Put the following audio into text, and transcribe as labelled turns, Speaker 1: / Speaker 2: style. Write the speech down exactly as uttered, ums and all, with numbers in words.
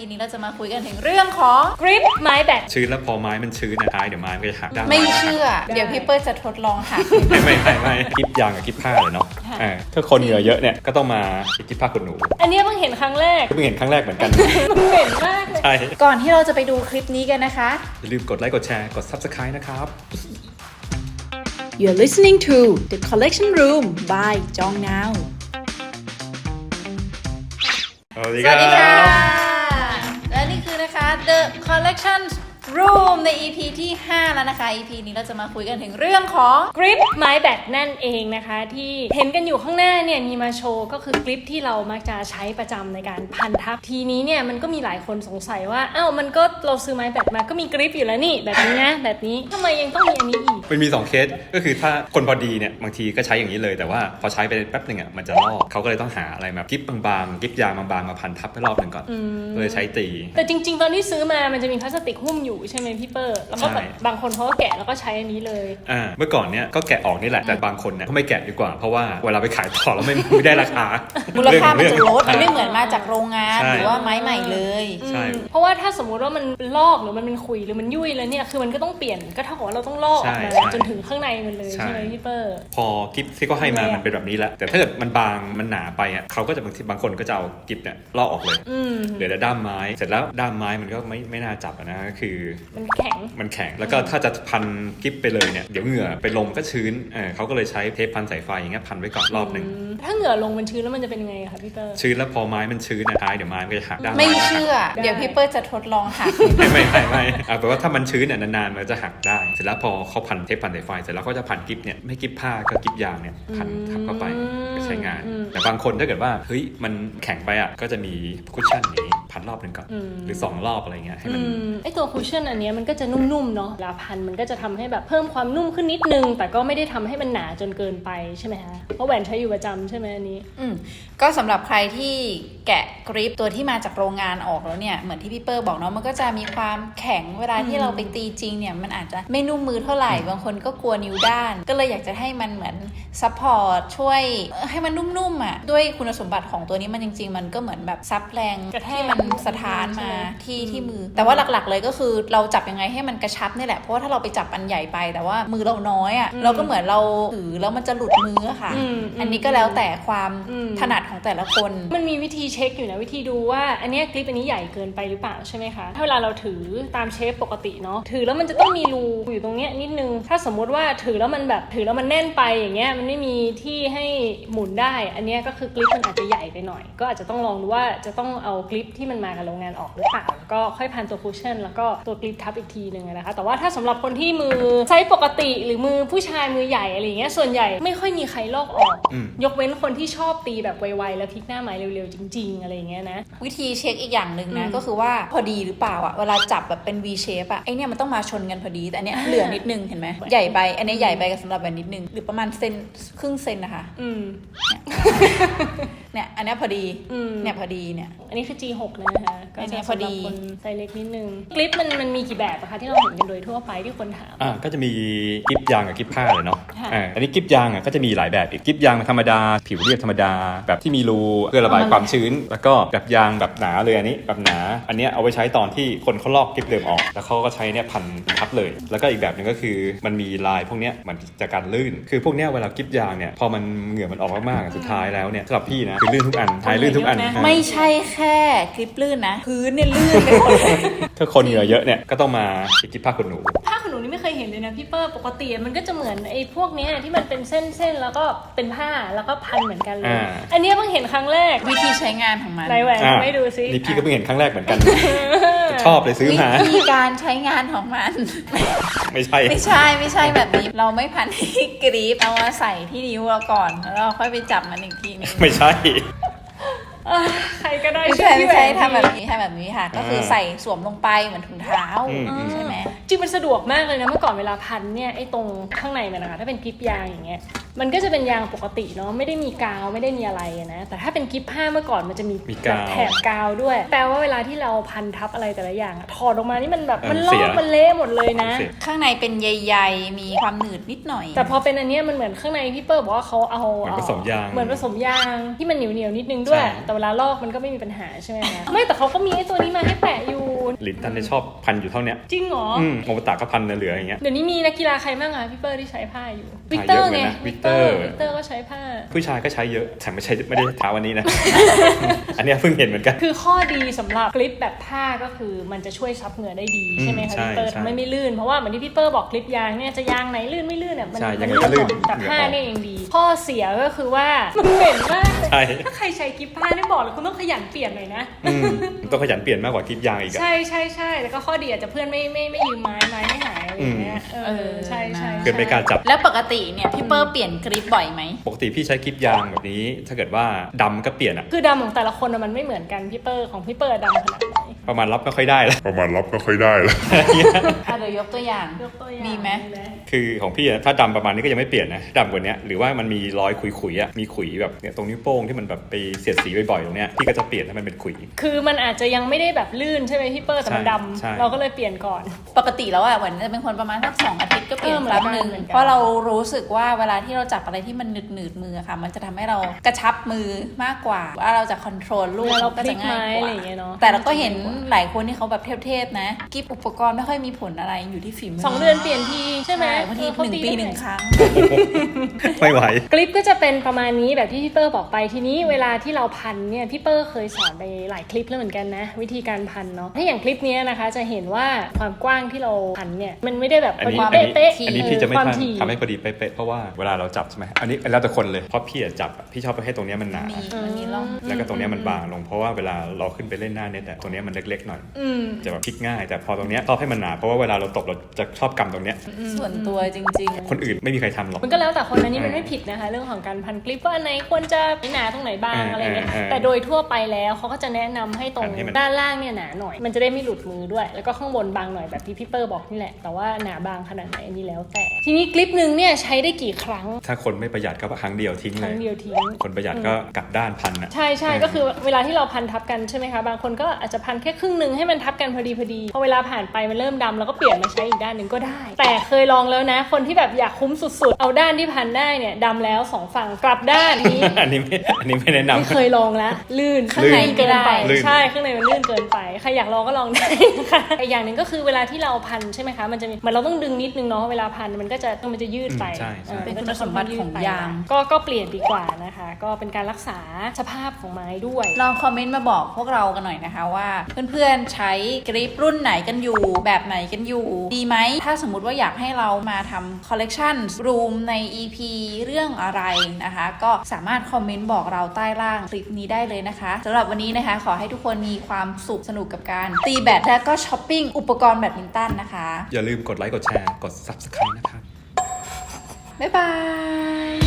Speaker 1: นี้เราจะมาคุยกันถึงเรื่องของกริปไม้แบต
Speaker 2: ชื้นแล้วพอไม้มันชื้นนะท้ายเดี๋ยวไม้มันก็จะหักได้
Speaker 1: ไม่เชื่อเดี๋ยวพี่เปิ้ลจะทดลองหัก
Speaker 2: ไม่ไม่ไม่ไม่คลิปยางกับคลิปผ้าเลยเนาะถ้าคนเหงื่อเยอะเนี่ยก็ต้องมาคลิปผ้าขนหนู
Speaker 3: อันนี้เพิ่งเห็นครั้งแรก
Speaker 2: เพิ่งเห็นครั้งแรกเหมือนกัน
Speaker 3: มันเหม็นมากเลย
Speaker 2: ใช่
Speaker 1: ก่อนที่เราจะไปดูคลิปนี้กันนะคะ
Speaker 2: อย่าลืมกดไลค์กดแชร์กด ซับสไครบ์ นะครับ
Speaker 4: You're listening to The Collection Room by Jong Now
Speaker 2: สวัสดี
Speaker 1: สวัสดีค่ะและนี่คือนะคะ The Collection Room ใน อี พี ที่ห้าแล้วนะคะ อี พี นี้เราจะมาคุยกันถึงเรื่องของ
Speaker 3: กริปไม้แบตนั่นเองนะคะที่เห็นกันอยู่ข้างหน้าเนี่ยมีมาโชว์ก็คือกริปที่เรามักจะใช้ประจำในการพันทับทีนี้เนี่ยมันก็มีหลายคนสงสัยว่าอ้าวมันก็เราซื้อไม้แบตมาก็มีกริปอยู่แล้วนี่แบบนี้นะแบบนี้ทำไมยังต้องมีอันนี้อีก
Speaker 2: มันมีสองเคสก็คือถ้าคนพอดีเนี่ยบางทีก็ใช้อย่างนี้เลยแต่ว่าพอใช้ไปแป๊บหนึ่งอ่ะมันจะลอกเขาก็เลยต้องหาอะไรมากริปบางๆกริปยางบางๆมาพันทับให้รอบหนึ่งก่อนเลยใช้ตี
Speaker 3: แต่จริงๆตอนที่ซื้อมามันจะมีพลาสติกหุ้มอยู่ใช่ไหมพี่เปิ้ลแล้วก็แบบบางคนเขาก็แกะแล้วก็ใช้อันนี้เลย
Speaker 2: อ่าเมื่อก่อนเนี้ยก็แกะออกนี่แหละแต่บางคนเนี่ยก็ไม่แกะดีกว่าเพราะว่าเวลาไปขายต่อแล้วไม่ไม่ได้ราคา
Speaker 1: มูลค่ามันจะลดมันไม่เหมือนมาจากโรงงานหรือว่าไม้ใหม่เลย
Speaker 2: ใช่
Speaker 3: เพราะว่าถ้าสมมุติว่ามันลอกหรือมันเป็นขุยหรือมันยุ่ยแล้วเนี่ยคือมันก็ต้องเปลี่ยนก็เท่ากับว่าเราต้องลอกออกมาจนถึงข้างในมันเลยใช่ไหมพี่เปิ้ล
Speaker 2: พอกิฟที่เขาให้มามันเป็นแบบนี้แหละแต่ถ้าเกิดมันบางมันหนาไปอ่ะเขาก็จะบางทีบางคนก็จะเอากิฟเนี่ยลอกออกเลยเหลือแต่ด้ามไม้เสร็จแล้วด้ามไม้มันก็ไม่ไม่น่าจับนะก็คือ
Speaker 3: มันแข็ง
Speaker 2: มันแข็งแล้วก็ถ้าจะพันกิฟไปเลยเนี่ยเดี๋ยวเหงื่อไปลมก็ชื้นเออเขาก็เลยใช้เทปพันสายไฟอย่างเงี้ยพันไว้ก่อนรอบนึง
Speaker 3: ถ้าเหงื่อลงมันชื้นแล้วมันจะเป็นยังไงคะพี่เปิ้ล
Speaker 2: ชื้นแล้วพอไม้มันชื้นนะท้ายเดี๋ยวไม้มันก็จะหักได้
Speaker 1: ไม่เชื่อเดี๋ยวพี่เปิ้ลจะทดลองหัก
Speaker 2: ไม่ไม่ไม่ไม่เอาแปลว่าถ้ามันชื้นเนี่ยนานๆมันจะหักได้เสร็จแล้วพอเขาพันเทปพันสายไฟเสร็จแล้วก็จะพันกิฟเนี่ยไม่กิฟผ้าก็กิฟยางเนี่ยพันทับเข้าไปก็ใช้งานแต่บางคนถ้าเกิดว่าเฮ้ยมันแข็งไปอ่ะก็จะมีคุชชั่นนี้พันรอบนึงก่อนหรือสองรอบอะไรเงี้ยให้มัน
Speaker 3: ไอตัวคุชชั่นอันนี้มันก็จะนุ่มๆเนาะเวลาพันมันก็จะทำให้แบบเพิ่มความนุ่มขึ้นนิดนึงแต่ก็ไม่ได้ทำให้มันหนาจนเกินไปใช่ไหมคะเพราะแหวนใช้อยู่ประจำใช่ไหมอันนี้
Speaker 1: อืมก็สำหรับใครที่แกะกริปตัวที่มาจากโรงงานออกแล้วเนี่ยเหมือนที่พี่เปิ้ลบอกเนาะมันก็จะมีความแข็งเวลาที่เราไปตีจริงเนี่ยมันอาจจะไม่นุ่มมือเท่าไหร่บางคนก็กลัวนิ้วด้านก็เลยอยากจะให้มันเหมือนซัพพอร์ตช่วยให้มันนุ่มๆอ่ะด้วยคุณสมบัติของตัวนี้มันจริงๆมันก็เหมือนแบบซับแรงที่มันสะท้านมาที่ที่มือแต่ว่าหลักๆเลยก็คือเราจับยังไงให้มันกระชับนี่แหละเพราะว่าถ้าเราไปจับอันใหญ่ไปแต่ว่ามือเราน้อยอ่ะเราก็เหมือนเราถือแล้วมันจะหลุดมือค่ะอันนี้ก็แล้วแต่ความถนัดของแต่ละคน
Speaker 3: มันมีวิธีเช็คอยู่นะวิธีดูว่าอันนี้กริปอันนี้ใหญ่เกินไปหรือเปล่าใช่ไหมคะถ้าเวลาเราถือตามเชฟปกติเนาะถือแล้วมันจะต้องมีรูอยู่ตรงเนี้ยนิดนึงถ้าสมมติว่าถือแล้วมันแบบถือแล้วมันแน่นไปอย่างเงี้ยมันไม่มีที่ให้หมุนได้อันนี้ก็คือกริปมันอาจจะใหญ่ไปหน่อยก็อาจจะต้องลองดูว่าจะต้องเอากริปที่มันมากับโรงงานออกหรือเปล่าแล้วก็ค่อยพันตัวคุชชั่นแล้วก็ตัวกริปทับอีกทีนึงนะคะแต่ว่าถ้าสำหรับคนที่มือใช้ปกติหรือมือผู้ชายมือใหญ่อะไรอย่างเงี้ยส่วนใหญ่ไม่ค่อยมีใครลอกออกยกเว้นคนที่ชอบตีแบบไวๆแล้วพลิกหน้าไม้เร็วๆจริงๆอะไรอย่างเงี้ยนะ
Speaker 1: วิธีเช็คอีกอย่างหนึ่งนะก็คือว่าพอดีหรือเปล่าอ่ะเวลาจับแบบเป็น V shape อ่ะไอเนี้ยมันต้องมาชนกันพอดีแต่อันเนี้ยเหลือนิดนึงเห็นไหมใหญ่ไปอันนี้ใหญ่ไปกับสำหรับแบบนิดนึงหรือประมาณเซนครึ่งเซนนะคะ
Speaker 3: อืม
Speaker 1: เนี่ยอันนี้พอดีเนี่ยพอดีเนี่ย
Speaker 3: อันนี้คือ จี หก นะคะก็จะพอดีคนไซส์เล็กนิดนึงกริปมันมันมีกี่แบบอะคะที่เราเห็นกันโดยทั่วไปที่คนถาม
Speaker 2: อ่าก็จะมีกริปยางกับกริปผ้าเลยเนาะอ่าอันนี้กริปยางอ่ะก็จะมีหลายแบบอีกกริปยางธรรมดาผิวเรียบธรรมดาแบบที่มีรูเพื่อระบายความชื้นแล้วก็แบบยางแบบหนาเลยอันนี้แบบหนาอันนี้เอาไว้ใช้ตอนที่คนเขาลอกกริปเดิมออกแล้วเขาก็ใช้เนี่ยพันทับเลยแล้วก็อีกแบบนึงก็คือมันมีลายพวกเนี้ยมันจะการลื่นคือพวกเนี้ยเวลากริปยางเนี่ยพอมันเหงื่อมันออกมากๆสุดท้ายแล้วเนี่ยสำหรับพี่นะคือลื่นทุกอันท้ายลื่นทุกอัน
Speaker 1: ไม่ใช่แค่กริปลื่นนะพื้นเนี่ยลื่นไปหมดเลย
Speaker 2: ถ้าคนเหงื่อเยอะเนี่ยก็ต้องมากิฟผ้าขนหนู
Speaker 3: ผ้าขนหนูนี่ไม่เคยเห็นเลยนะพี่เปิ้ลปกติมันก็จะเหมือนไอ้พวกนี้ที่มันเป็นเส้นๆแล้วก็เป็นผ้าแล้วก็พันเหมือนกันเลยอันนี้เพิ่งเห็นครั้งแรก
Speaker 1: วิธีใช้งานของมัน
Speaker 3: ไหนแหวนไม่ดูซิ
Speaker 2: นี่พี่ก็เพิ่งเห็นครั้งแรกเหมือนกันชอบเลยซื้อมา
Speaker 1: วิธีการใช้งานของมัน
Speaker 2: ไม่ใช่
Speaker 1: ไม่ใช่ไม่ใช่แบบนี้เราไม่พันที่กริปเอามาใส่ที่นิ้วเราก่อนแล้วเราค่อยไปจับมันอีกทีนึง
Speaker 2: ไม่ใช่
Speaker 3: ใครก็ได้
Speaker 1: ไม่ใช่ไม่ใช่ทำแบบนี้ทำแบบนี้ค่ะก็คือใส่สวมลงไปเหมือนถุงเท้าใช่ไหม
Speaker 3: จริงมันสะดวกมากเลยนะเมื่อก่อนเวลาพันเนี่ยไอ้ตรงข้างในมันนะคะถ้าเป็นกริปยางอย่างเงี้ยมันก็จะเป็นยางปกติเนาะไม่ได้มีกาวไม่ได้มีอะไรนะแต่ถ้าเป็นกริปผ้าเมื่อก่อนมันจะมี
Speaker 2: มีกาว
Speaker 3: แถบกาวด้วยแปลว่าเวลาที่เราพันทับอะไรแต่ละอย่างอะถอดออกมานี่มันแบบ
Speaker 2: เออ
Speaker 3: มันลอ
Speaker 2: เสี
Speaker 3: ก
Speaker 2: ย
Speaker 3: มันเละหมดเลยนะ
Speaker 2: เสีย
Speaker 1: ข้างในเป็นใยๆมีความหนืดนิดหน่อย
Speaker 3: แต่พอเป็นอันเนี้ยมันเหมือนข้างในพี่เปิ้ลบอกว่าเขาเอา
Speaker 2: เหมือนผสมยาง
Speaker 3: เหมือนผสมยางที่มันเหนียวเหนียวๆนิดนึงด้วย
Speaker 2: ใช่
Speaker 3: แต่เวลาลอกมันก็ไม่มีปัญหาใช่ไหมคะไม่แต่เขาก็มีไอ้ตัวนี้มาให้แปะอยู่
Speaker 2: ลินตันเนี่ยชอบพันอยู่เท่าเนี้ย
Speaker 3: จริงเหรอ
Speaker 2: อืมโมบตะก็พันเหลือๆอย่างเงี้ย
Speaker 3: เดี๋ยวนี้มีนักกีฬาใครบ้างอะพี่เปิ้ลที่ใช้ผ้าอยู่วิก
Speaker 2: หา
Speaker 3: เตอ
Speaker 2: เย
Speaker 3: ร์
Speaker 2: อะเหมื
Speaker 3: ไง
Speaker 2: อนกันนะ
Speaker 3: วิกเตอร์
Speaker 2: วิ
Speaker 3: วิ
Speaker 2: ก
Speaker 3: ก
Speaker 2: เต
Speaker 3: เต
Speaker 2: อ
Speaker 3: อ
Speaker 2: ร์
Speaker 3: ร์ก็ใช้ผ้า
Speaker 2: ผู้ชายก็ใช้เยอะแต่ไม่ใช่ไม่ได้ท้าวันนี้นะ อันเนี้ยเพิ่งเห็นเหมือนกัน
Speaker 3: คือข้อดีสำหรับกลิปแบบผ้าก็คือมันจะช่วยซับเหงื่อได้ดีใช่ไหมคะ
Speaker 2: ใช่
Speaker 3: พี่เปิ้ล
Speaker 2: ใช่
Speaker 3: ทำให้ไม่ลื่นเพราะว่าเหมือนที่พี่เปิ้ลบอกกลิปยางเนี่ยจะยางไหนลื่นไม่ลื่นเนี่ยมัน
Speaker 2: ใช่
Speaker 3: มั
Speaker 2: ยังไงก็ลื่น
Speaker 3: หมดแต่
Speaker 2: เหงื่อ
Speaker 3: ผ้า
Speaker 2: ออก
Speaker 3: เนี่ยยังดี ข้อเสียก็คือว่ามันเหม็นมากเลย
Speaker 2: ใช่
Speaker 3: ถ้าใครใช้กลิปผ้าเนี่ยบอกเลยคุณต้องขยันเปลี่ยนหน่อยนะ
Speaker 2: อืมต้องขยันเปลี่ยนมากกว่าคลิปยางอีกอะ
Speaker 3: ใช่ใช่ใช่แล้วก็ข้อดีอาจจะเพื่อนไม่ไม่ไม่ยืมไม้ไม้ไม่หายอะไรอย่างเงี้ยเออใช่ใช่
Speaker 2: เกิดไม่กล้าจับ
Speaker 1: แล้วปกติเนี่ยพี่เปอร์เปลี่ยนกริปบ่อยไหม
Speaker 2: ปกติพี่ใช้คลิปยางแบบนี้ ถ้าเกิดว่าดำก็เปลี่ยนอะ
Speaker 3: คือดำของแต่ละคนอะมันไม่เหมือนกันพี่เปิ้ลของพี่เปิ้ลดำขนาดไหน
Speaker 2: ประมาณรับไม่ค่อยได้แล้ว
Speaker 5: ประมาณรับไม่ค่อยได้แล้ว
Speaker 1: อ่ะเดี๋ยวยกตัวอย่าง
Speaker 3: ยกตัวอย่าง
Speaker 1: มีไหม
Speaker 2: คือของพี่อะถ้าดำประมาณนี้ก็ยังไม่เปลี่ยนนะดำกว่านี้หรือว่ามันมีรอยขุยๆอะมีขุยแบบเนี่ยตรงนิ้วโป้งที่มันแบบไปเสียดสีบ่อยๆตรงเนี้ยพี่ก็จะเปลี่ยนให้มันเป็นขุย
Speaker 3: คือมันอาจจะยังไม่ได้แบบลื่นใช่ไหมพี่เปิ้ลแต่มัน
Speaker 2: ใช่
Speaker 3: ด
Speaker 2: ใช่
Speaker 3: ำเราก็เลยเปลี่ยนก่อน
Speaker 1: ปกติแล้วอ่ะเหมือนจะเป็นคนประมาณสักสองอาทิตย์ก็เปลี่ยน
Speaker 3: เออเหมื
Speaker 1: ค
Speaker 3: อน
Speaker 1: รั้งหนึ่ง
Speaker 3: กันเหมือนกัน
Speaker 1: เพราะเรารู้สึกว่าเวลาที่เราจับอะไรที่มันหนืดหนืดๆมือค่ะ มันจะทำให้เรากระชับมือมากกว่าว่าเราจะคอนโทรลลูก
Speaker 3: เวลาเรา
Speaker 1: ก็
Speaker 3: พลิ
Speaker 1: จะ
Speaker 3: ก
Speaker 1: ง่าย
Speaker 3: ไม้
Speaker 1: ก
Speaker 3: อะไร
Speaker 1: ว่า
Speaker 3: อย่างเงี้ยเนาะ
Speaker 1: แต่เราก็เห็นหลายคนที่เขาแบบเทพๆนะกิฟอุปกรณ์ไม่ค่อยมีผลอะไรอยู่ที่ฝีมือ
Speaker 3: สองเดือนเปลี่ยนทีใช่ไหม
Speaker 1: บางที
Speaker 3: เออเขา
Speaker 1: หนึ่ง
Speaker 3: ตี
Speaker 1: ปี
Speaker 3: ได้
Speaker 1: หนึ่งครั้ง
Speaker 2: ไม่ไหว
Speaker 3: กลิปก็จะเป็นประมาณนี้แบบที่พี่เปิ้ลบอกไปทีนี้เวลาที่เราพันเนี่ยพี่เปิ้ลเคยสอนไปหลายคลิปแล้วเหมือนกันนะวิธีการพันเนาะถ้าอย่างคลิปเนี้ยนะคะจะเห็นว่าความกว้างที่เราพันเนี่ยมันไม่ได้แบบ
Speaker 2: อัน
Speaker 3: พอ
Speaker 2: นี้
Speaker 3: ดี
Speaker 2: อันนี้
Speaker 3: เป๊ะ
Speaker 2: อันนี้พี่จะไม่
Speaker 3: ความ
Speaker 2: ทำ
Speaker 3: ถี่
Speaker 2: ทำให้พอดีเป๊ะๆเพราะว่าเวลาเราจับใช่ไหมอันนี้แล้วแต่คนเลยเพราะพี่อะจับอะพี่ชอบให้ตรงเนี้ยมันหนา
Speaker 1: มีมันมีร่อง
Speaker 2: แล้วก็ตรงเนี้ยมันบางลงเพราะว่าเวลาเราขึ้นไปเล่นหน้าเน็ตอะตรงเนี้ยมันเล็กๆหน่อย
Speaker 3: อืม
Speaker 2: จะแบบพลิกง่าย แต่พอตรงเนี้ยชอบให้มันหนาเพราะว่าเวลาเราตบเราจะชอบกำตรงเนี้ย
Speaker 1: ส่วนตัวจริงๆ
Speaker 2: คนอื่นไม่มีใครทำหรอก
Speaker 3: มันก็แล้วแต่คนนะนี่มันไม่ผิดนะคะ เรื่องของการพันคลิปว่าอันไหนควรจะหนาตรงไหนบ้าง
Speaker 2: อ่า
Speaker 3: อะไรเงี้ย
Speaker 2: อ่าอ่า
Speaker 3: แต่โดยทั่วไปแล้วเขาก็จะแนะนำให้ตรง
Speaker 2: พันให้มัน
Speaker 3: ด้านล่างเนี่ยหนาหน่อย มันจะได้ไม่หลุดมือด้วย แล้วก็ข้างบนบางหน่อยแบบที่พี่เปอร์บอกนี่แหละแต่ว่าหนาบางขนาดไหนอันนี้แล้วแต่ ทีนี้คลิปหนึ่งเนี่ยใช้ได้กี่ครั้ง
Speaker 2: ถ้าคนไม่ประหยัดก็ครั้งเดียวทิ้ง
Speaker 3: ค
Speaker 2: เล
Speaker 3: รั้
Speaker 2: ย
Speaker 3: งเดียวทิ้ง
Speaker 2: คนประหยัดก็กลับด้านพันอะ
Speaker 3: ใช่ใช่
Speaker 2: เออ
Speaker 3: ก็คือเวลาที่เราพันทับกันใช่ไหมคะบางคนก็อาจจะพันแค่ครึ่งหนึ่งให้มันทับกันพอดีพอดีพอเวลาผ่านไปมันเริ่มดำแล้วก็เปลี่ยนมาใช้อีกด้านหนึ่งก็ได้ แต่เคยลองแล้วนะ คนที่แบบอยากคุ้มสุดๆเอาด้านที่พันได้เนี่ยดำแล้วสองฝั่งกลับด้านนี้
Speaker 2: อันนี้ไม่อันนี้ไม่แนะนำ
Speaker 3: ไม่เคยลองแล้วลื่น
Speaker 1: ข้างใน
Speaker 3: ลื่นเกินไป
Speaker 2: ลื่น
Speaker 3: ใช่ข้างในมันลื่นเกินไปใครอยากลองก็ลองได้นะคะอีกอย่างหนึ่งก็คือเวลาที่เราพันใช่ไหมคะมันจะมีเหมือนเราต้องดึงนิดนึงเนาะเวลาพันมันก็จะมันจะยืดไป
Speaker 2: อืมใช่ใช่
Speaker 3: ออ
Speaker 1: เป็น
Speaker 3: ก็
Speaker 1: คุณ
Speaker 3: จะ
Speaker 1: สมบัติของยาง
Speaker 3: ก็ก็เปลี่ยนดีกว่านะคะ ก็เป็นการรักษาสภาพของไม้ด้วย
Speaker 1: ลองคอมเมนต์มาบอกพวกเรากันหน่อยนะคะว่าเพื่อนๆใช้กริปรุ่นไหนกันอยู่แบบไหนกันอยู่ดีไหมถ้าสมมุติว่าอยากให้เรามาทำคอลเลกชันรูมใน อี พี เรื่องอะไรนะคะ ก็สามารถคอมเมนต์บอกเราใต้ล่างคลิปนี้ได้เลยนะคะสำหรับวันนี้นะคะขอให้ทุกคนมีความสุขสนุกกับการตีแบดและก็ช้อปปิ้งอุปกรณ์แบดมินตันนะคะ
Speaker 2: อย่าลืมกดไลค์กดแชร์กด ซับสไครบ์ นะครับ
Speaker 1: บ๊ายบาย